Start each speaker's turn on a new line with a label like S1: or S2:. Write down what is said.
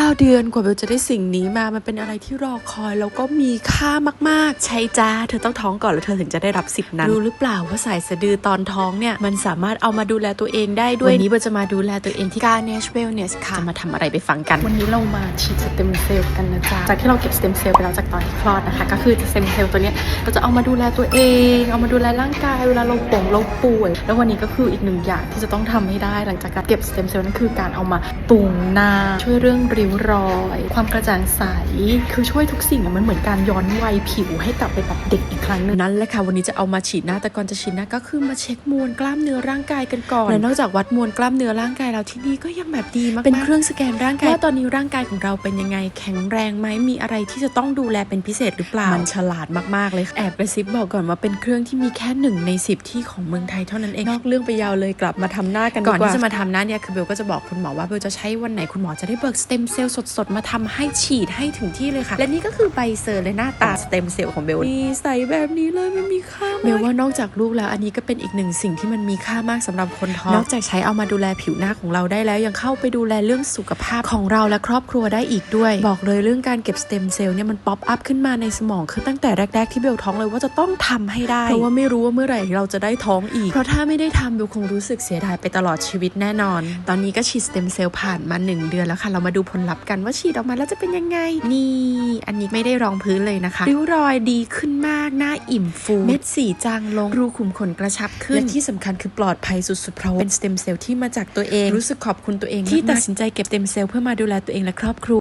S1: 9 เดือนกว่าเบลจะได้สิ่งนี้มามันเป็นอะไรที่รอคอยแล้วก็มีค่ามากๆใช่จ้าเธอต้องท้องก่อนแล้วเธอถึงจะได้รับสิทธินั้นรู้หรือเปล่าว่าสายสะดือตอนท้องเนี่ยมันสามารถเอามาดูแลตัวเองได้ด้วยวันนี้เบลจะมาดูแลตัวเองที่ Ganesh Wellness ค่ะจะมาทำอะไรไปฟังกันวันนี้เรามาฉีดสเต็มเซลล์กันนะจ๊ะจากที่เราเก็บสเต็มเซลล์ไปแล้วจากตอนที่คลอดนะคะก็คือสเต็มเซลล์ตัวเนี้ยเราจะเอามาดูแลตัวเองเอามาดูแลร่างกายเวลาเราป่วยแล้ววันนี้ก็คืออีกหนึ่งอย่างที่จะต้องทำให้ได้หลังจากการเก็บสเต็มเซลล์นั่นคือการเอามาปรุงหน้าช่วยเรื่องริ้วรอยความกระจ่างใสคือช่วยทุกสิ่งมันเหมือนการย้อนวัยผิวให้กลับไปแบบเด็กอีกครั้งนึงนั่นแหละค่ะวันนี้จะเอามาฉีดหน้าแต่ก่อนจะฉีดหน้าก็คือมาเช็คมวลกล้ามเนื้อร่างกายกันก่อนและนอกจากวัดมวลกล้ามเนื้อร่างกายแล้วที่นี่ก็ยังแบบดีมากเป็นเครื่องสแกนร่างกายว่าตอนนี้ร่างกายของเราเป็นยังไงแข็งแรงไหมมีอะไรที่จะต้องดูแลเป็นพิเศษหรือเปล่ามันฉลาดมากๆเลยแอบกระซิบบอกก่อนว่าเป็นเครื่องที่มีแค่1 ใน 10ที่ของเมืองไทยเท่านั้นเองนอกเรื่องไปยาวเลยกลับมาทำหน้ากันก่อนที่จะมาทำหน้าเนี่ยคือเบลก็จะบอกคุณหมอว่าเบลจะใช้วันไหนคุณหมอจะได้เบิกสเต็มเซลล์สดๆมาทำให้ฉีดให้ถึงที่เลยค่ะและนี่ก็คือใบเซอร์และหน้าตาสเต็มเซลล์ของเบลนี่ใสแบบนี้เลยมันมีค่าเบลว่านอกจากลูกแล้วอันนี้ก็เป็นอีกหนึ่งสิ่งที่มันมีค่ามากสำหรับคนท้องนอกจากใช้เอามาดูแลผิวหน้าของเราได้แล้วยังเข้าไปดูแลเรื่องสุขภาพของเราและครอบครัวได้อีกด้วยบอกเลยเรื่องการเก็บสเต็มเซลล์เนี่ยมันป๊อปอัพขึ้นมาในสมองคือตั้งแต่แรกๆที่เบลท้องเลยว่าจะต้องทำให้ได้เพราะว่าไม่รู้ว่าเมื่อไหร่เราจะได้ท้องอีกเพราะถ้าไม่ได้ทำเบลคงรู้สึกเสียดายไปตลอดชีวิตแน่นอนตอนนี้ก็ฉีดสเต็มเซลล์ผ่านมา1 เดือนแล้วค่ะเรามาดูผลลัพธ์กันว่าฉีดออกมาแล้วจะเป็นยังไงนี่อันนี้ไม่ได้รองพื้นเลยนะคะริ้วรอยดีขึ้นมากหน้าอิ่มฟูเม็ดสีจางลงรูขุมขนกระชับขึ้นและที่สำคัญคือปลอดภัยสุดๆเพราะเป็นสเต็มเซลล์ที่มาจากตัวเองรู้สึกขอบคุณตัวเองที่ตัดสินใจเก็บสเต็มเซลล์เพื่อมาดูแลตัวเองและครอบครัว